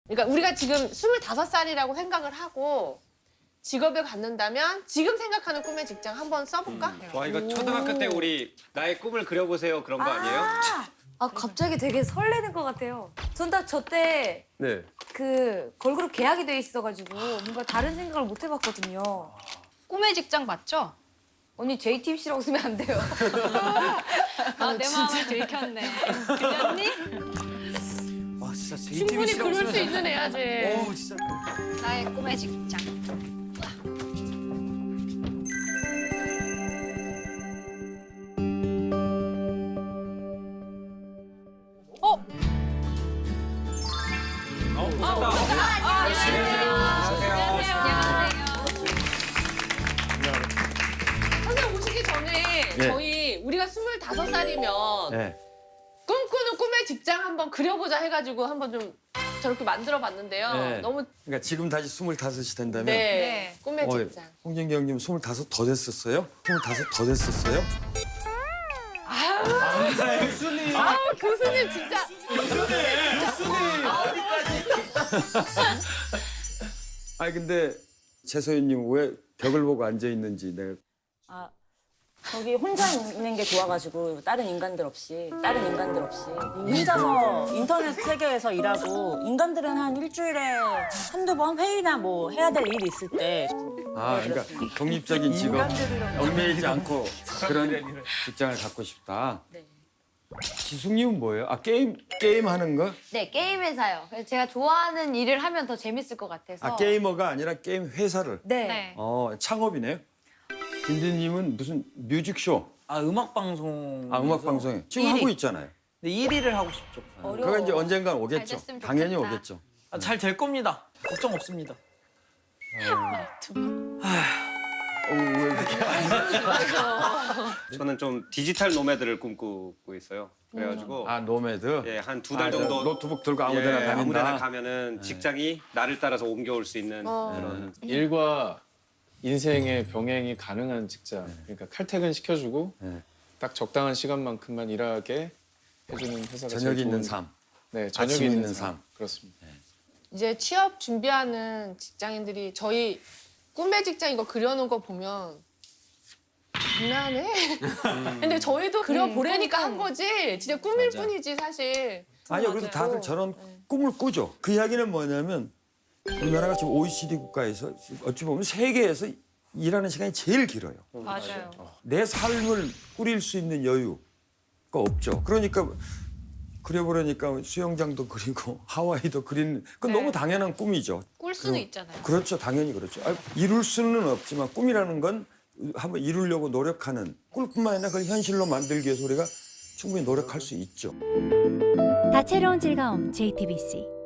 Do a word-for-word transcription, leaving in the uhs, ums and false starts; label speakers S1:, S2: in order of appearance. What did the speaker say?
S1: 그러니까 우리가 지금 스물다섯 살이라고 생각을 하고 직업을 갖는다면 지금 생각하는 꿈의 직장 한번 써볼까?
S2: 음. 와 이거 초등학교 때 우리 나의 꿈을 그려보세요 그런 거 아니에요?
S3: 아 갑자기 되게 설레는 것 같아요. 전 딱 저 때
S4: 네.
S3: 그 걸그룹 계약이 돼 있어가지고 뭔가 다른 생각을 못 해봤거든요.
S5: 꿈의 직장 맞죠?
S3: 언니 제이티비씨라고 쓰면 안 돼요.
S5: 아, 내 마음을 들켰네. 들렸니?
S4: 와 진짜
S1: 충분히 그럴 수 있는 애야지.
S4: 오 진짜.
S5: 나의 꿈의 직장. 어?
S2: 어, 오셨다.
S1: 선생님 오시기 전에
S4: 네.
S1: 저희 우리가 스물다섯 살이면
S4: 네.
S1: 꿈꾸는 꿈의 직장 한번 그려보자 해가지고 한번 좀 저렇게 만들어봤는데요.
S4: 네.
S1: 너무
S4: 그러니까 지금 다시 스물다섯이 된다면.
S1: 네,
S5: 네.
S1: 꿈의
S4: 어,
S1: 직장.
S4: 홍진기 형님 스물다섯 더 됐었어요? 스물다섯 더 됐었어요?
S1: 아 교수님 진짜.
S4: 아니 근데 최소연님 왜 벽을 보고 앉아 있는지 내가.
S6: 아, 거기 혼자 있는 게 좋아가지고 다른 인간들 없이 다른 인간들 없이 혼자서 인터넷 세계에서 일하고 인간들은 한 일주일에 한두 번 회의나 뭐 해야 될 일이 있을 때
S4: 아 그러니까 독립적인 직업, 얽매이지 않고 그런 직장을 갖고 싶다.
S6: 네.
S4: 지숙님은 뭐예요? 아 게임 게임 하는 거?
S3: 네 게임 회사요. 그래서 제가 좋아하는 일을 하면 더 재밌을 것 같아서.
S4: 아 게이머가 아니라 게임 회사를.
S3: 네.
S5: 네.
S4: 어 창업이네요. 김진님은 무슨 뮤직쇼,
S7: 아 음악 방송.
S4: 아 음악 방송에 지금
S7: 일 위.
S4: 하고 있잖아요.
S7: 네, 일 위를 하고 싶죠.
S3: 어려워.
S4: 그거 이제 언젠간
S5: 잘
S4: 오겠죠.
S5: 됐으면
S4: 당연히
S5: 좋겠다.
S4: 오겠죠.
S7: 아, 잘 될 겁니다. 걱정 없습니다.
S4: 어, 왜 이렇게?
S2: 저는 좀 디지털 노매드를 꿈꾸고 있어요. 그래가지고
S4: 아 노매드.
S2: 예, 한 두 달
S4: 아, 저
S2: 정도
S4: 노트북 들고 아무데나
S2: 예,
S4: 다닌다.
S2: 아무데나 가면은 직장이 나를 따라서 옮겨올 수 있는
S1: 어.
S2: 그런
S8: 일과 인생의 병행이 가능한 직장. 그러니까 칼퇴근 시켜주고
S4: 네.
S8: 딱 적당한 시간만큼만 일하게 해주는 회사가
S4: 저녁이
S8: 제일
S4: 있는
S8: 좋은-
S4: 삶.
S8: 네, 저녁이
S4: 아침
S8: 있는,
S4: 있는
S8: 삶.
S4: 삶.
S8: 그렇습니다.
S1: 이제 취업 준비하는 직장인들이 저희 꿈의 직장 이거 그려놓은 거 보면 장난해? 근데 저희도 그려보려니까 한 거지 진짜 꿈일
S7: 맞아.
S1: 뿐이지 사실.
S4: 아니요, 그래서
S1: 맞아요.
S4: 다들 저런
S1: 네.
S4: 꿈을 꾸죠. 그 이야기는 뭐냐면 우리나라가 지금 오이시디 국가에서 어찌 보면 세계에서 일하는 시간이 제일 길어요.
S5: 맞아요.
S4: 내 삶을 꾸릴 수 있는 여유가 없죠. 그러니까 그려보려니까 수영장도 그리고 하와이도 그리는 그건
S5: 네.
S4: 너무 당연한 꿈이죠.
S5: 꿀 수는
S4: 그럼-
S5: 있잖아요.
S4: 그렇죠, 당연히 그렇죠. 아, 이룰 수는 없지만 꿈이라는 건 한번 이루려고 노력하는 꿈뿐만 아니라 그걸 현실로 만들기 위해서 우리가 충분히 노력할 수 있죠.
S9: 다채로운 즐거움 제이티비씨